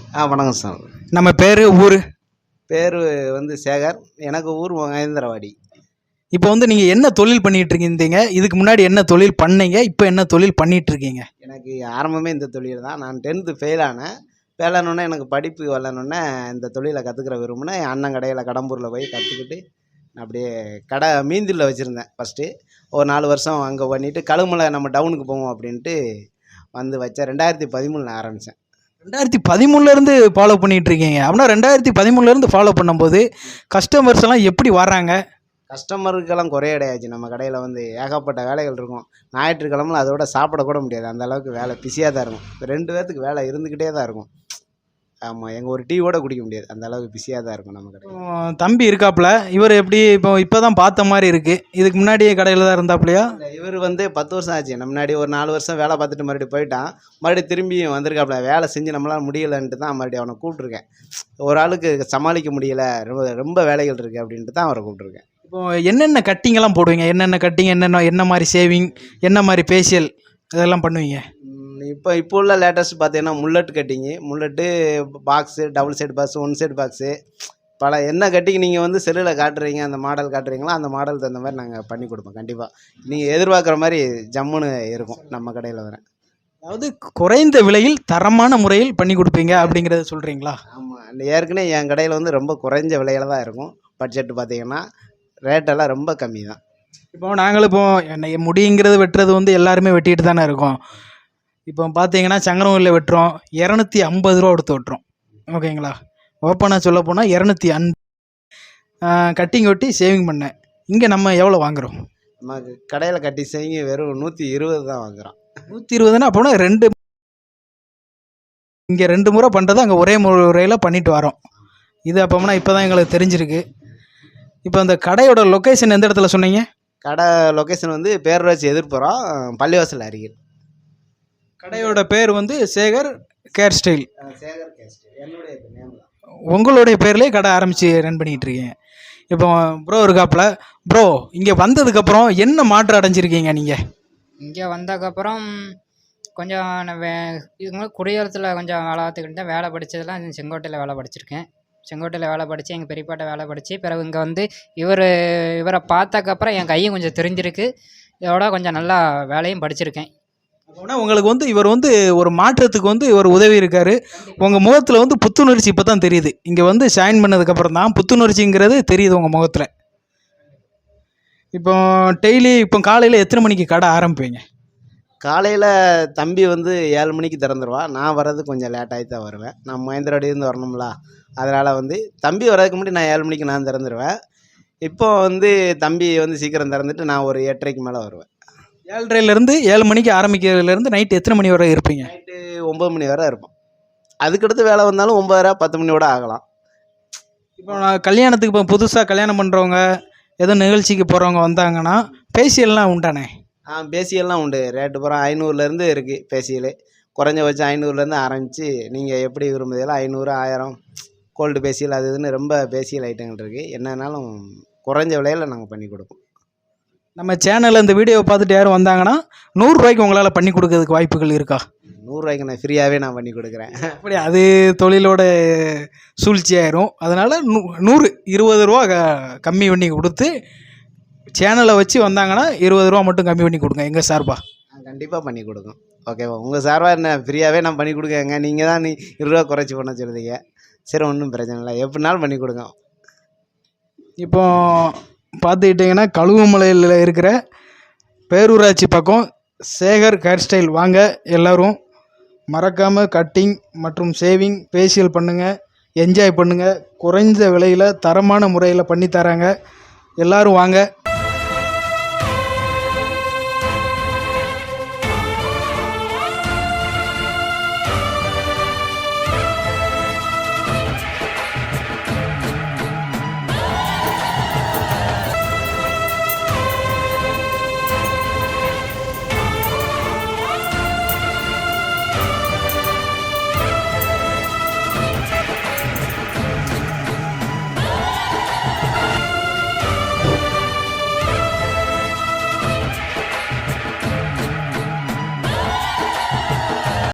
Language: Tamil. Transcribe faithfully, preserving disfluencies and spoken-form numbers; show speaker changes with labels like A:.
A: ஆ வணக்கம் சார்.
B: நம்ம பேர் ஊர்
A: பேர் வந்து சேகர். எனக்கு ஊர் மகேந்திரவாடி.
B: இப்போ வந்து நீங்கள் என்ன தொழில் பண்ணிகிட்டு இருக்கீங்க? இதுக்கு முன்னாடி என்ன தொழில் பண்ணீங்க? இப்போ என்ன தொழில் பண்ணிகிட்டு இருக்கீங்க?
A: எனக்கு ஆரம்பமே இந்த தொழில் தான். நான் டென்த்து ஃபெயில் ஆனேன். ஃபெயில் ஆனோடனே எனக்கு படிப்பு வரலன்னொன்னே இந்த தொழிலை கற்றுக்கிற விரும்பினேன். என் அண்ணன் கடையில் கடம்பூரில் போய் கற்றுக்கிட்டு அப்படியே கடை மீந்தில் வச்சுருந்தேன் ஃபஸ்ட்டு. ஒரு நாலு வருஷம் அங்கே பண்ணிவிட்டு கழுமலை நம்ம டவுனுக்கு போவோம் அப்படின்ட்டு வந்து வச்சேன். ரெண்டாயிரத்தி பதிமூணில் ஆரம்பித்தேன்.
B: ரெண்டாயிரத்தி பதிமூணுலேருந்து ஃபாலோ பண்ணிகிட்டு இருக்கீங்க அப்படின்னா ரெண்டாயிரத்தி பதிமூணுலேருந்து ஃபாலோ பண்ணும்போது கஸ்டமர்ஸ் எல்லாம் எப்படி வர்றாங்க?
A: கஸ்டமருக்கெல்லாம் குறைய கிடையாச்சு. நம்ம கடையில் வந்து ஏகப்பட்ட வேலைகள் இருக்கும். ஞாயிற்றுக்கிழமை அதோட சாப்பிடக்கூட முடியாது, அந்த அளவுக்கு வேலை பிஸியாக தான் இருக்கும். ரெண்டு பேர்த்துக்கு வேலை இருந்துக்கிட்டே தான் இருக்கும். ஆமாம், எங்கள் ஒரு டீ கூட குடிக்க முடியாது, அந்த அளவுக்கு பிஸியாக தான் இருக்கும் நம்ம கடை.
B: தம்பி இருக்காப்புல, இவர் எப்படி இப்போ இப்போ தான் பார்த்த மாதிரி இருக்குது. இதுக்கு முன்னாடி கடையில் தான் இருந்தாப்புலையா?
A: இவர் வந்து பத்து வருஷம் ஆச்சு. நம்ம முன்னாடி ஒரு நாலு வருஷம் வேலை பார்த்துட்டு மறுபடியும் போயிட்டான். மறுபடியும் திரும்பி வந்திருக்காப்புல. வேலை செஞ்சு நம்மளால் முடியலைன்ட்டு தான் மறுபடியும் அவனை கூப்பிட்ருக்கேன். ஒரு ஆளுக்கு சமாளிக்க முடியல, ரொம்ப ரொம்ப வேலைகள் இருக்குது அப்படின்ட்டு தான் அவரை கூப்பிட்ருக்கேன்.
B: இப்போ என்னென்ன கட்டிங்கெல்லாம் போடுவீங்க? என்னென்ன கட்டிங், என்னென்ன என்ன மாதிரி சேவிங், என்ன மாதிரி ஃபேஷியல் இதெல்லாம் பண்ணுவீங்க?
A: இப்போ இப்போ உள்ள லேட்டஸ்ட் பார்த்தீங்கன்னா mullet cutting, mullet box, double side box, one side box, பல என்ன கட்டிங் நீங்கள் வந்து செல்லில் காட்டுறீங்க, அந்த மாடல் காட்டுறீங்களோ அந்த மாடல் தகுந்த மாதிரி நாங்கள் பண்ணி கொடுப்போம். கண்டிப்பாக நீங்கள் எதிர்பார்க்குற மாதிரி ஜம்முன்னு இருக்கும் நம்ம கடையில் வர.
B: அதாவது குறைந்த விலையில் தரமான முறையில் பண்ணி கொடுப்பீங்க அப்படிங்கிறத சொல்கிறீங்களா?
A: ஆமாம், ஏற்கனவே என் கடையில் வந்து ரொம்ப குறைஞ்ச விலையில் தான் இருக்கும். பட்ஜெட்டு பார்த்தீங்கன்னா ரேட்டெல்லாம் ரொம்ப கம்மி தான்.
B: இப்போ நாங்களும் இப்போ என்னை முடிங்கிறது வெட்டுறது வந்து எல்லாருமே வெட்டிட்டு தானே இருக்கோம். இப்போ பார்த்தீங்கன்னா சங்கரவூரில் வெட்டுறோம், இரநூத்தி ஐம்பது ரூபா கொடுத்து வெட்டுறோம். ஓகேங்களா? ஓப்பனாக சொல்ல போனால் இரநூத்தி அன் கட்டிங் வெட்டி சேவிங் பண்ணேன். இங்கே நம்ம எவ்வளோ வாங்குகிறோம்?
A: நமக்கு கடையில் கட்டி சேவிங்க வெறும் நூற்றி இருபது தான் வாங்குகிறோம்.
B: நூற்றி இருபதுன்னா அப்போனா ரெண்டு இங்கே ரெண்டு முறை பண்ணுறது அங்கே ஒரே முறையில் பண்ணிட்டு வரோம். இது அப்போனா இப்போ தான் எங்களுக்கு தெரிஞ்சிருக்கு. இப்போ அந்த கடையோட லொக்கேஷன் எந்த இடத்துல சொன்னீங்க? கடை
A: லொக்கேஷன் வந்து பேரூராட்சி எதிர்ப்புறோம், பள்ளிவாசல் அருகில்.
B: கடையோட பேர் வந்து Shekar care style.
A: Shekar care style என்னுடைய நேம் தான்.
B: உங்களுடைய பேர்லேயே கடை ஆரம்பித்து ரன் பண்ணிகிட்டு இருக்கீங்க. இப்போ ப்ரோ இருக்காப்புல. ப்ரோ, இங்கே வந்ததுக்கப்புறம் என்ன மாற்றம் அடைஞ்சிருக்கீங்க நீங்கள்?
C: இங்கே வந்ததுக்கப்புறம் கொஞ்சம் வே இதுக்கு முன்னாடி குடியரசில் கொஞ்சம் வேலை பார்த்துக்கிட்டு தான். வேலை படித்ததெல்லாம் செங்கோட்டையில் வேலை படிச்சிருக்கேன். செங்கோட்டையில் வேலை படித்து எங்கள் பெரியப்பாட்ட வேலை படித்து பிறகு இங்கே வந்து இவர் இவரை பார்த்ததுக்கப்புறம் என் கையும் கொஞ்சம் தெரிஞ்சிருக்கு. இதோட கொஞ்சம் நல்லா வேலையும் படிச்சிருக்கேன்.
B: அப்படின்னா உங்களுக்கு வந்து இவர் வந்து ஒரு மாற்றத்துக்கு வந்து இவர் உதவி இருக்கார். உங்கள் முகத்தில் வந்து புத்துணர்ச்சி இப்போ தான் தெரியுது. இங்கே வந்து ஜாயின் பண்ணதுக்கப்புறம் தான் புத்துணர்ச்சிங்கிறது தெரியுது உங்கள் முகத்தில். இப்போ டெய்லி இப்போ காலையில் எத்தனை மணிக்கு கடை ஆரம்பிப்பீங்க?
A: காலையில் தம்பி வந்து ஏழு மணிக்கு திறந்துருவான். நான் வர்றது கொஞ்சம் லேட்டாகி தான் வருவேன். நான் மகேந்திரவாடியிலேருந்து வரணும்ல, அதனால் வந்து தம்பி வர்றதுக்கு முன்னாடி நான் ஏழு மணிக்கு நான் திறந்துருவேன். இப்போ வந்து தம்பி வந்து சீக்கிரம் திறந்துட்டு நான் ஒரு எட்டரைக்கு மேலே வருவேன்.
B: ஏழரைலேருந்து ஏழு மணிக்கு ஆரம்பிக்கிறதுலேருந்து நைட்டு எத்தனை மணி வரை இருப்பீங்க?
A: நைட்டு ஒம்பது மணி வரை இருப்போம். அதுக்கடுத்து வேலை வந்தாலும் ஒம்பதரை பத்து மணியோட ஆகலாம்.
B: இப்போ நான் கல்யாணத்துக்கு இப்போ புதுசாக கல்யாணம் பண்ணுறவங்க, ஏதோ நிகழ்ச்சிக்கு போகிறவங்க வந்தாங்கன்னா ஃபேஷியல்லாம் உண்டானே?
A: ஆ, ஃபேஷியல்லாம் உண்டு. ரேட்டு பூரா ஐநூறுலேருந்து இருக்குது ஃபேஷியலு. குறைஞ்சபட்சம் ஐநூறுலேருந்து ஆரம்பித்து நீங்கள் எப்படி விரும்புதீங்களோ ஐநூறு, ஆயிரம், கோல்டு ஃபேஷியல் அது இதுன்னு ரொம்ப ஃபேஷியல் ஐட்டங்கள் இருக்குது. என்னன்னாலும் குறைஞ்ச விலையில் நாங்கள் பண்ணி கொடுப்போம்.
B: நம்ம சேனலில் இந்த வீடியோவை பார்த்துட்டு யாரும் வந்தாங்கன்னா நூறுரூவாய்க்கு உங்களால் பண்ணி கொடுக்கறதுக்கு வாய்ப்புகள் இருக்கா?
A: நூறுரூவாய்க்கு நான் ஃப்ரீயாகவே நான் பண்ணி கொடுக்குறேன்.
B: அப்படி அது தொழிலோட சூழ்ச்சி ஆயிரும். அதனால் நூ நூறு இருபது ரூபா க கம்மி பண்ணி கொடுத்து சேனலை வச்சு வந்தாங்கன்னா இருபது ரூபா மட்டும் கம்மி பண்ணி கொடுங்க எங்கள் சார்பாக.
A: நான் கண்டிப்பாக பண்ணி கொடுக்கும். ஓகேவா? உங்கள் சார்பாக என்ன ஃப்ரீயாகவே நான் பண்ணி கொடுக்கங்க. நீங்கள் தான் நீ இருபது ரூபா குறைச்சி பண்ண சொல்லுதீங்க. சரி, ஒன்றும் பிரச்சனை இல்லை, எப்படினாலும் பண்ணி கொடுங்க.
B: இப்போ பார்த்துக்கிட்டிங்கன்னா கழுவுமலையில் இருக்கிற பேரூராட்சி பக்கம் சேகர் ஹேர் ஸ்டைல் வாங்க. எல்லோரும் மறக்காமல் கட்டிங் மற்றும் ஷேவிங் ஃபேஷியல் பண்ணுங்கள், என்ஜாய் பண்ணுங்கள். குறைந்த விலையில் தரமான முறையில் பண்ணித்தராங்க. எல்லோரும் வாங்க.